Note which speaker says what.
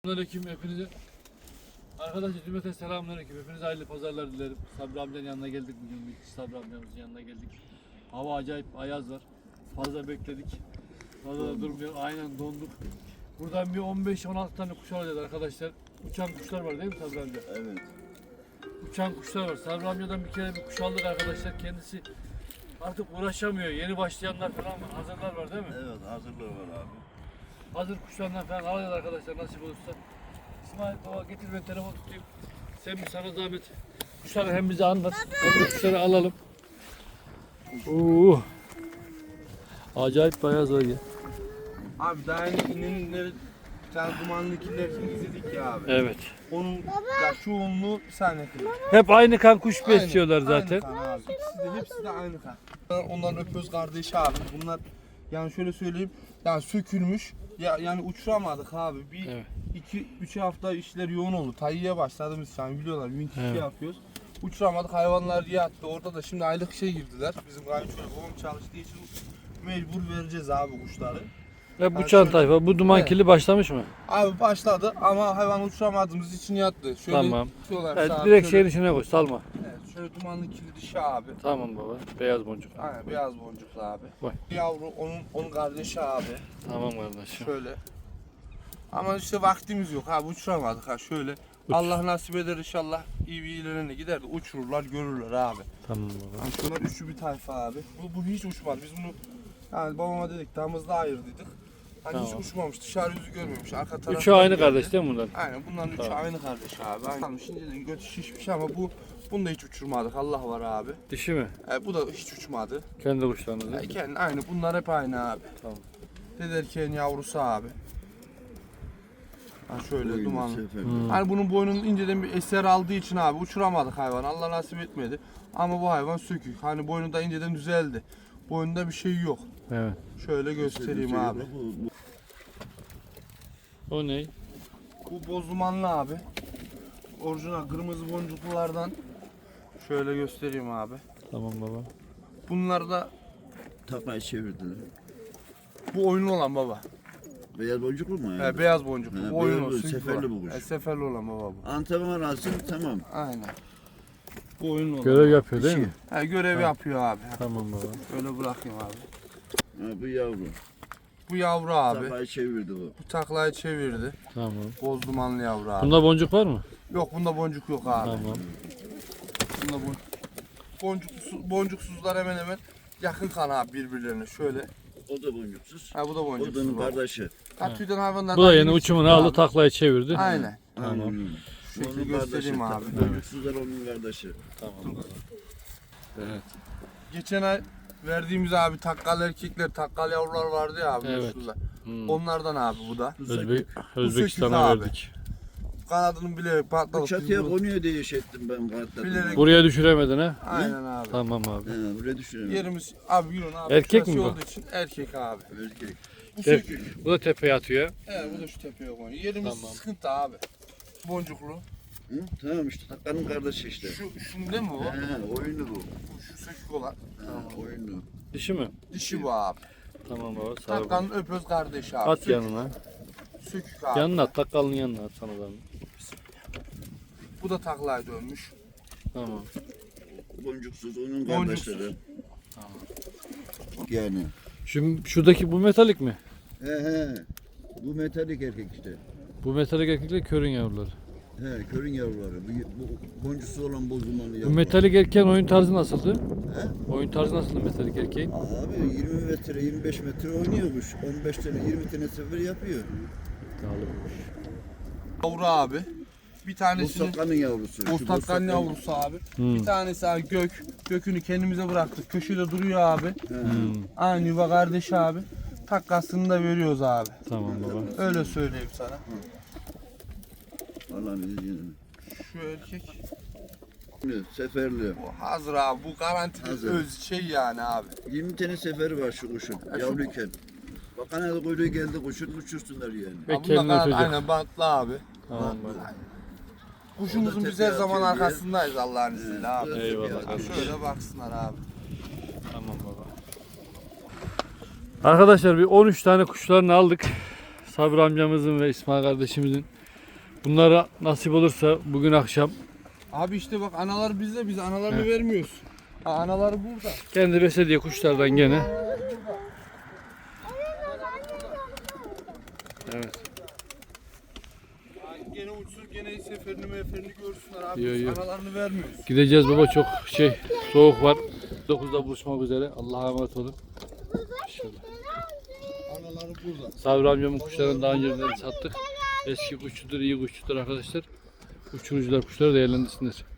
Speaker 1: Selamünaleyküm hepinize. Arkadaşlar cümleten selamünaleyküm. Hepinize hayırlı pazarlar dilerim. Sabri amcanın yanına geldik bugün. Sabri amcamızın yanına geldik. Hava acayip ayaz var. Fazla bekledik. Fazla da durmuyor. Aynen donduk. Buradan bir 15-16 tane kuş alacağız arkadaşlar. Uçan kuşlar var değil mi Sabri amca?
Speaker 2: Evet.
Speaker 1: Uçan kuşlar var. Sabri amcadan bir kere bir kuş aldık arkadaşlar. Kendisi artık uğraşamıyor. Yeni başlayanlar falan var. Hazırlar var değil mi?
Speaker 2: Evet, hazırlığı var abi.
Speaker 1: Hazır kuşlarından falan alacağız arkadaşlar nasip olursa. İsmail baba getir ben telefon tutayım. Sen bir sana zahmet kuşları hem bize anlat hem de kuşları alalım. Acayip bayağı zor ya.
Speaker 3: Abi daha yeni inenleri bir tane dumanlı kirlerini izledik ya abi.
Speaker 1: Evet.
Speaker 3: Onun ya çoğunluğu bir saniye kırıyor.
Speaker 1: Hep aynı kan kuş besliyorlar zaten.
Speaker 3: Aynı kan abi. Hepsi de aynı kan. Onların öpöz kardeşi abi. Bunlar yani şöyle söyleyeyim yani sökülmüş. Yani uçuramadık abi. Bir
Speaker 1: Evet.
Speaker 3: 2-3 hafta işler yoğun oldu. Tayyiye başladığımız için biliyorlar. Winch
Speaker 1: Evet.
Speaker 3: yapıyoruz. Uçuramadık, hayvanlar yattı. Orada da şimdi aylık girdiler. Bizim kayınçoğlu babam çalıştığı için mecbur vereceğiz abi kuşları.
Speaker 1: Hep uçan tayfa. Bu duman
Speaker 3: Evet.
Speaker 1: kirli başlamış mı?
Speaker 3: Abi başladı ama hayvan uçuramadığımız için yattı. Şöyle
Speaker 1: Tamam.
Speaker 3: tutuyorlar
Speaker 1: Evet,
Speaker 3: sağa,
Speaker 1: direkt
Speaker 3: şöyle-
Speaker 1: şeyin içine koy salma.
Speaker 3: Evet, şöyle dumanlı kirli dişi abi.
Speaker 1: Tamam baba. Beyaz boncuk.
Speaker 3: Aynen beyaz boncuklu abi.
Speaker 1: Vay.
Speaker 3: Yavru onun kardeşi abi.
Speaker 1: Tamam kardeşim.
Speaker 3: Şöyle. Ama işte vaktimiz yok abi uçuramadık ha şöyle. Allah nasip eder inşallah iyi bir ilerine gider de uçururlar görürler abi.
Speaker 1: Tamam baba.
Speaker 3: Yani şunlar üçü bir tayfa abi. Bu hiç uçmadı. Biz bunu yani babama dedik damızda ayırdıydık. Hani hiç
Speaker 1: Tamam.
Speaker 3: uçmamış dışarı yüzü görmemiş. Arka taraftan
Speaker 1: Üçü aynı
Speaker 3: geldi.
Speaker 1: kardeş değil mi bunlar?
Speaker 3: Aynen bunların üçü
Speaker 1: Tamam.
Speaker 3: aynı kardeş abi. Aynen. Şimdi götü şişmiş ama bunu da hiç uçurmadık. Allah var abi.
Speaker 1: Dişi mi?
Speaker 3: Bu da hiç uçmadı.
Speaker 1: Kendi kuşlarınız değil mi?
Speaker 3: Kendi aynı. Bunlar hep aynı abi.
Speaker 1: Tamam.
Speaker 3: Dederken yavrusu abi. Ha şöyle
Speaker 2: Oyunu,
Speaker 3: dumanlı.
Speaker 2: sefer.
Speaker 3: Hani bunun boynunun inceden bir eser aldığı için abi uçuramadık hayvan. Allah nasip etmedi. Ama bu hayvan sökük. Hani boynu da inceden düzeldi. Boynunda bir şey yok.
Speaker 1: Evet.
Speaker 3: Şöyle göstereyim abi.
Speaker 1: O ne?
Speaker 3: Bu boz dumanlı abi. Orijinal kırmızı boncuklulardan. Şöyle göstereyim abi.
Speaker 1: Tamam baba.
Speaker 3: Bunlar da
Speaker 2: Taklayı çevirdiler.
Speaker 3: bu oyunlu olan baba.
Speaker 2: Beyaz boncuklu mu yani?
Speaker 3: Beyaz boncuklu.
Speaker 2: He,
Speaker 3: Bu oyunlu.
Speaker 2: beyaz,
Speaker 3: sökük
Speaker 2: seferli
Speaker 3: olan.
Speaker 2: bu kuş.
Speaker 3: Seferli olan baba bu.
Speaker 2: Antep'in arası tamam.
Speaker 3: Aynen. Bu oyunlu olan.
Speaker 1: Görev yapıyor değil
Speaker 2: Dişi.
Speaker 1: mi?
Speaker 3: Görev yapıyor abi.
Speaker 1: Tamam baba.
Speaker 3: Öyle bırakayım abi.
Speaker 2: Ha, bu yavru.
Speaker 3: Bu yavru abi.
Speaker 2: Taklayı çevirdi bu.
Speaker 3: Bu taklayı çevirdi.
Speaker 1: Tamam.
Speaker 3: Boz dumanlı yavru abi.
Speaker 1: Bunda boncuk var mı?
Speaker 3: Yok bunda boncuk yok abi.
Speaker 1: Tamam.
Speaker 3: Bunda boncuksuzlar hemen hemen yakın kan abi birbirlerine. Şöyle.
Speaker 2: O da boncuksuz.
Speaker 3: Ha bu da
Speaker 2: O
Speaker 3: boncuksuz.
Speaker 2: da onun
Speaker 3: baba.
Speaker 2: kardeşi.
Speaker 3: Ha tüyden hayvanlar.
Speaker 1: Bu da yeni uçumunu aldı taklayı çevirdi.
Speaker 3: Aynen.
Speaker 1: Tamam.
Speaker 2: Aynen.
Speaker 3: Şu şekilde
Speaker 2: Onun
Speaker 3: göstereyim
Speaker 2: kardeşi.
Speaker 3: abi.
Speaker 2: Boncuksuzlar onun kardeşi.
Speaker 1: Tamam. Evet.
Speaker 3: Geçen ay verdiğimiz abi takkal erkekler, takkal yavrular vardı ya abi.
Speaker 1: Evet.
Speaker 3: Şurada.
Speaker 1: Hmm.
Speaker 3: Onlardan abi bu da.
Speaker 1: Özbekistan'a
Speaker 3: abi.
Speaker 1: verdik.
Speaker 3: Kanadının bilerek
Speaker 2: Bu
Speaker 3: patladı.
Speaker 2: çatıya konuyor diye şey ettim ben kartladım.
Speaker 3: Bilerek-
Speaker 1: Buraya düşüremedin ha?
Speaker 3: Aynen abi.
Speaker 1: Tamam abi.
Speaker 2: He, buraya düşürüyorum.
Speaker 3: Yerimiz abi yürün abi.
Speaker 1: Erkek
Speaker 3: Şurası
Speaker 1: mi bu?
Speaker 3: olduğu için erkek abi.
Speaker 2: Erkek.
Speaker 3: Bu
Speaker 1: Evet.
Speaker 3: sökük.
Speaker 1: Bu da tepeye atıyor.
Speaker 3: Evet bu da şu tepeye koyuyor. Yerimiz
Speaker 1: Tamam.
Speaker 3: sıkıntı abi. Boncuklu.
Speaker 2: Hı? Tamam işte takkanın kardeşi işte.
Speaker 3: Şunun değil mi bu?
Speaker 2: He, oyunu bu.
Speaker 3: Şu sökük olan.
Speaker 2: He, oyunu.
Speaker 1: Dişi mi?
Speaker 3: Dişi bu abi.
Speaker 1: Tamam baba. Sağ ol.
Speaker 3: Takkanın öpöz kardeşi abi.
Speaker 1: At
Speaker 3: Sökük.
Speaker 1: yanına.
Speaker 3: Sökük abi.
Speaker 1: Yanına at. Takkalının yanına at sana da.
Speaker 3: Bu da taklaya dönmüş.
Speaker 1: Tamam.
Speaker 2: Boncuksuz onun
Speaker 3: Boncuksuz.
Speaker 2: kardeşleri. Yani.
Speaker 1: Şimdi şuradaki bu metalik mi?
Speaker 2: He. Bu metalik erkek işte.
Speaker 1: Bu metalik erkekler körün yavruları.
Speaker 2: He, körün yavruları. Bu boncuksuz olan bozulmanlı
Speaker 1: Bu
Speaker 2: yavrular.
Speaker 1: metalik erkeğin oyun tarzı nasıldı?
Speaker 2: He?
Speaker 1: Oyun tarzı nasıldı metalik erkeğin?
Speaker 2: Abi 20 metre, 25 metre oynuyormuş. 15 tane, 20 tane sefer yapıyor.
Speaker 3: Yavru abi. Bir tanesini
Speaker 2: Bostakkanın yavrusu. Şu
Speaker 3: Ostakkan
Speaker 2: Bostakkan-
Speaker 3: yavrusu abi.
Speaker 1: Hmm.
Speaker 3: Bir tanesi abi gökünü kendimize bıraktık. Köşede duruyor abi.
Speaker 2: He.
Speaker 3: Aynı yuva kardeşi abi. Takkasını da veriyoruz abi.
Speaker 1: Tamam baba.
Speaker 3: Öyle söyleyeyim sana.
Speaker 2: Allah'ın izniyle.
Speaker 3: Şu erkek
Speaker 2: Seferli.
Speaker 3: bu hazır abi. Bu garantili
Speaker 2: Hazır.
Speaker 3: öz şey yani abi.
Speaker 2: 20 tane seferi var şu kuşun. Yavruyken. Bakana da kuyruğu geldi kuşun uçursunlar yani.
Speaker 1: Ve
Speaker 3: Abi bunda
Speaker 1: kendini ötecek.
Speaker 3: aynen bantlı abi.
Speaker 1: Tamam baba.
Speaker 3: Kuşumuzun biz her zaman arkasındayız Allah'ın izniyle abi.
Speaker 1: Eyvallah kardeşim.
Speaker 3: Şöyle baksınlar abi.
Speaker 1: Tamam baba. Arkadaşlar bir 13 tane kuşlarını aldık. Sabri amcamızın ve İsmail kardeşimizin Bunlara nasip olursa bugün akşam
Speaker 3: Abi işte bak analar bizde, biz analarını
Speaker 1: He.
Speaker 3: vermiyoruz. Ha, anaları burada.
Speaker 1: kendi beslediği kuşlardan gene. Evet.
Speaker 3: Ha, gene uçsun, gene seferini görsünler abi.
Speaker 1: Yo,
Speaker 3: Biz
Speaker 1: yo.
Speaker 3: analarını vermiyoruz.
Speaker 1: Gideceğiz baba, çok soğuk var. 9'da buluşmak üzere. Allah'a emanet olun. İnşallah.
Speaker 3: Anaları burada.
Speaker 1: Sabri amcamın kuşlarını daha önceden sattık. Eski kuşçudur, iyi kuşçudur arkadaşlar. Uçurucular kuşları değerlendirsinler.